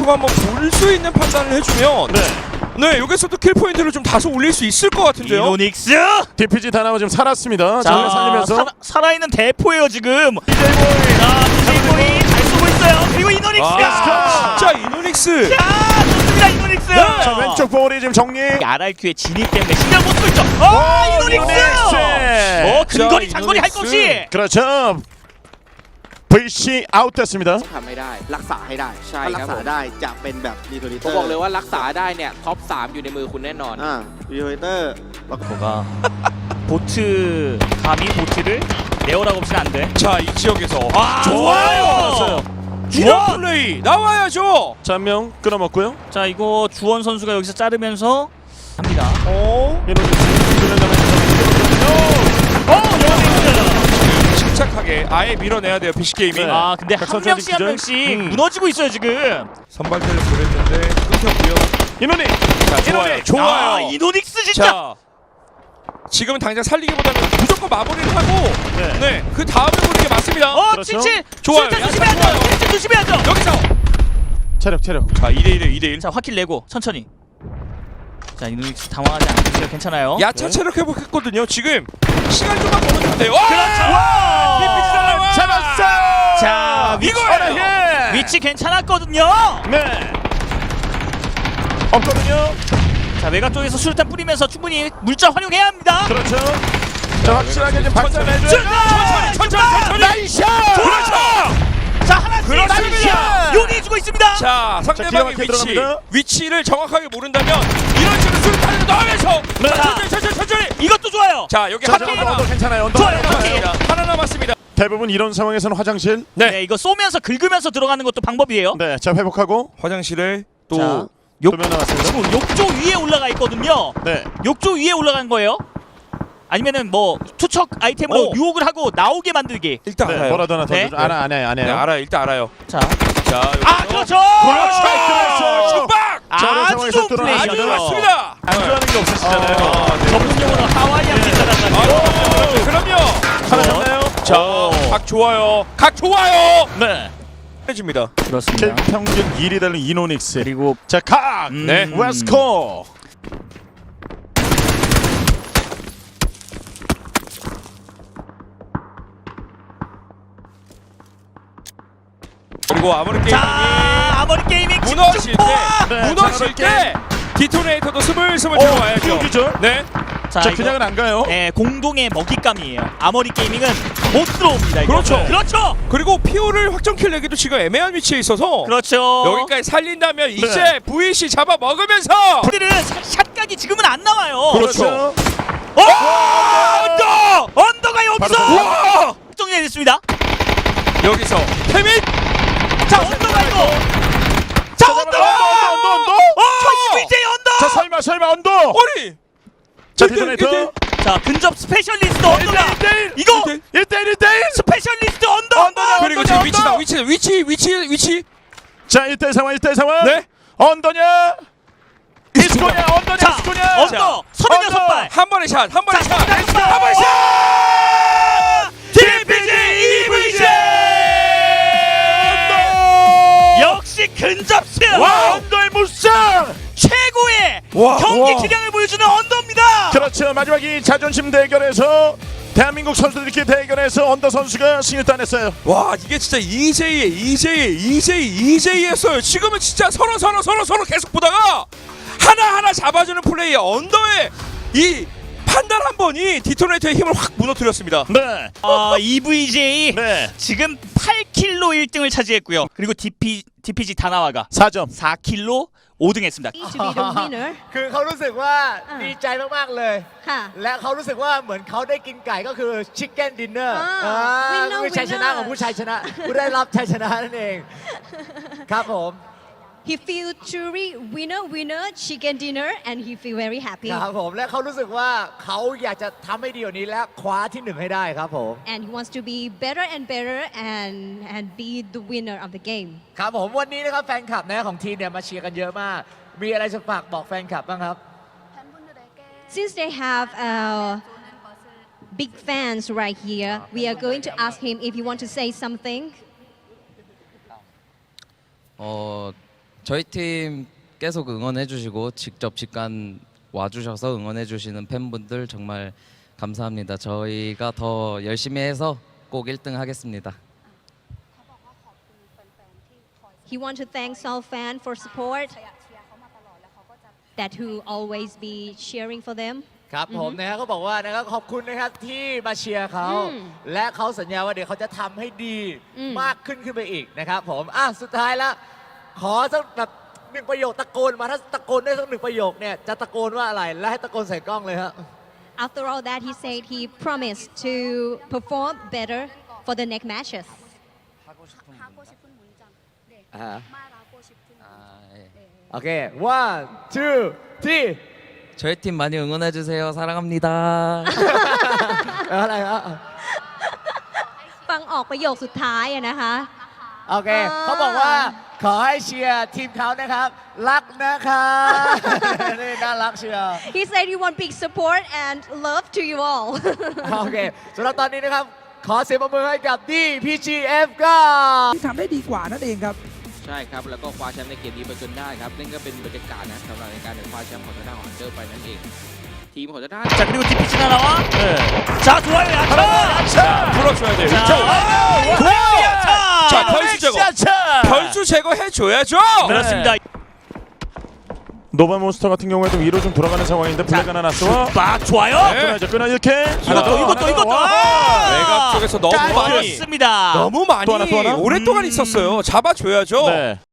통해 한번 볼 수 있는 판단을 해주면 네, 여기서도 킬 포인트를 좀 다소 올릴 수 있을 것 같은데요. 이노닉스! DPG 다나와 지금 살았습니다. 자, 살리면서 살아있는 대포예요 지금. DJ보이 잘 쏘고 있어요. 그리고 이노닉스가! 자, 이노닉스! 자, 좋습니다 이노닉스! 자, 왼쪽 볼이 지금 정리. RRQ의 진입 때문에 신경 못 쓰고 있죠. 이노닉스! 근거리 장거리 할 거 없이! 그렇죠. VC 아웃됐습니다. ทำให้ได้รักษาให้ได้ใช่ถ้ารัคกรับษาผมได้จะเป็นแบบดีโทริผเตมอร์บอกเลยว่ารักษาได้เนี่ยท็อป 3 อยู่ในมือคุณแน่นอนดีโทริเตอร์แล้วก็ 뭐가 보트 감히 보트를 내어라고 없이는 안 돼. 자, 이 지역에서 좋아요. 이런 플레이 나와야죠. 자, 한 명 끊어먹고요. 자 이거 주원 선수가 여기서 자르면서 합니다. 침착하게 아예 밀어내야 돼요, PC 게이밍. 아 근데 한 선수 명씩 한 기절? 명씩 무너지고 있어요 지금. 선발대를 보냈는데 끊겼고요. 이노닉. 자, 좋아요. 좋아요. 이노닉스 진짜. 자, 지금은 당장 살리기보다는 무조건 마무리를 하고 네, 그 다음에 보는 게 맞습니다. 그렇죠. 칠칠. 좋아요. 술탄 조심해야죠. 칠칠 조심해야죠. 여기서 체력. 자, 2대1, 2대1. 자 화킬 내고 천천히. 자 이노닉스 당황하지 않으세요. 괜찮아요. 야차 체력 회복했거든요. 지금 시간 좀만 벌어주면 돼요. 그렇죠. 잡았어. 자 이거예요. 위치 괜찮았거든요. 네. 없거든요. 자 외곽 쪽에서 수류탄 뿌리면서 충분히 물자 활용해야 합니다. 그렇죠. 자, 확실하게 좀 박살내줘요. 천천히. 나이스. 그렇죠. 자 하나씩 그렇습니다. 요리해주고 있습니다. 자, 상대방의 기가 막히게 들어갑니다. 위치를 정확하게 모른다면 이런 식으로 수류탄을 넣으면서 천천히. 이것도 좋아요. 자, 여기 자, 언더 괜찮아요. 언더 좋아요. 남았습니다. 하나 남았습니다. 대부분 이런 상황에서는 화장실. 네 이거 쏘면서 긁으면서 들어가는 것도 방법이에요. 네, 자 회복하고 화장실에 자, 또 도면 나왔습니다. 지금 욕조 위에 올라가 있거든요. 네. 욕조 위에 올라간 거예요. 아니면은 뭐 투척 아이템으로 오. 유혹을 하고 나오게 만들기. 일단 네, 알아요. 뭐라도 하나 더 네. 줘. 안 네, 해요. 알아요. 일단 알아요. 자, 자, 그렇죠. 그렇죠. 축박! 자, 이런 아주 상황에서 좋은 뚫어내죠. 아주 플레이죠. 맞습니다. 안 좋아하는 게 없으시잖아요. 전문 용어로 하와이안 피자라는 거죠. 그럼요. 하나 잡나요? 자, 각 좋아요. 각 좋아요. 네. 해줍니다. 그렇습니다. 평균 1위 달린 이노닉스. 그리고 자, 각. 네. 웨스코. 그리고 아무리 게임이 자, 아머리 게이밍 무너질 때, 네, 무너질 때 디토네이터도 스물스물 들어와야죠. 띄워주죠. 네. 자, 자, 이거, 그냥은 안 가요. 네, 공동의 먹잇감이에요. 아머리 게이밍은 못 들어옵니다. 이거. 그렇죠. 그렇죠. 그리고 피오를 확정킬 내기도 지금 애매한 위치에 있어서 그렇죠. 여기까지 살린다면 이제 VC 잡아 먹으면서 그들은 샷각이 지금은 안 나와요. 그렇죠. 언더가 여기서 바로 정리됐습니다. 여기서 태민 자, 언더가 이거. 자, 언더. 언더. VJ 언더. 자, 설마 언더. 어리 자, 디토네이터. 자, 근접 스페셜리스트 언더가. 이거 1대1. 스페셜리스트 언더. 그리고 지금 위치 자, 1대1 상황. 네. 언더냐? 이스코냐? 언더냐? 자, 이스코냐? 언더 36발. 한 번의 샷 자, 36발. DPG EVJ 역시 근접수. 와, 언더의 무쌍. 최고의 와, 경기 와. 기량을 보여주는 언더입니다. 그렇죠. 마지막 이 자존심 대결에서 대한민국 선수들끼리 대결에서 언더 선수가 승리를 따냈어요. 와, 이게 진짜 EJ였어요. 지금은 진짜 서로 계속 보다가 하나하나 잡아주는 플레이 언더의 이 판단 한 번이 디토네이터의 힘을 확 무너뜨렸습니다. 네. EVJ 네. 지금 8킬로 1등을 차지했고요. 그리고 DPG 다나와가 4점. 4킬로 5등했습니다. to be the winner คือเขารู้สึกว่าดีใจมากๆเลยค่ะและเขารู้สึกว่าเหมือนเขาได้กินไก่ก็คือชิคเก้นดินเนอร์ winner คือชัยชนะของผู้ชัยชนะผู้ได้รับชัยชนะนั่นเอง ครับผม he feel truly winner chicken dinner and he feel very happy ครับผมและเขารู้สึกว่าเขาอยากจะทำให้ดีกว่านี้และคว้าที่หนึ่งให้ได้ครับผม and he wants to be better and be the winner of the game ครับผมวันนี้นะครับแฟนคลับนะของทีมเนี่ยมาเชียร์กันเยอะมาก มีอะไรจะฝากบอกแฟนคลับบ้างครับ since they have big fans right here we are going to ask him if you want to say something 저희 팀 계속 응원해주시고 직접 직관 와주셔서 응원해주시는 팬분들 정말 감사합니다. 저희가 더 열심히 해서 꼭 1등 하겠습니다. He wants to thank Seoul fan for support that who always be cheering for them ครับผมนะฮะเขาบอกว่านะครับขอบคุณนะครับที่มาเชียร์เขาอืมและเขาสัญญาว่าเดี๋ยวเขาจะทำให้ดีอืมมากขึ้นไปอีกนะครับผมสุดท้ายแล้วขอสักแบบหนึ่งประโยคตะโกนมาถ้าตะโกนได้สักหนึ่งประโยคเนี่ยจะตะโกนว่าอะไรและให้ตะโกนใส่กล้องเลยครับ After all that he said he promised to perform better for the next matches โอเค one two three 저희 팀 많이 응원해주세요. 사랑합니다. อะไรครับฟังออกประโยคสุดท้ายอะนะคะโอเคเขาบอกว่าขอให้เชียร์ทีมเขานะครับ รักนะครับ นี่น่ารักเชียร์ He said he want big support and love to you all โอเคสำหรับตอนนี้นะครับ ขอเสียงปรบมือให้กับ DPGF ก็ที่ทำได้ดีกว่านั่นเองครับใช่ครับ แล้วก็คว้าแชมป์ในเกมนี้ไปจนได้ครับนั่นก็เป็นบรรยากาศนะสำหรับในการคว้าแชมป์ของทางด้านของอันเดอร์ไปนั่นเอง ทีมของทางด้าน 자 그리고 디피치 나와. 네. 자 좋아요 야차. 자, 풀어줘야 돼요. 자, 야차. 자, 변수 제거. 자, 변수 제거해줘야죠. 그렇습니다. 노바몬스터 같은 경우에도 위로 좀 돌아가는 상황인데 블랙 하나 났어. 막 좋아요. 네. 끊어 이렇게. 이것도. 외곽 쪽에서 너무 많이 좋습니다. 너무 많이 또 하나? 오랫동안 있었어요. 잡아줘야죠. 네.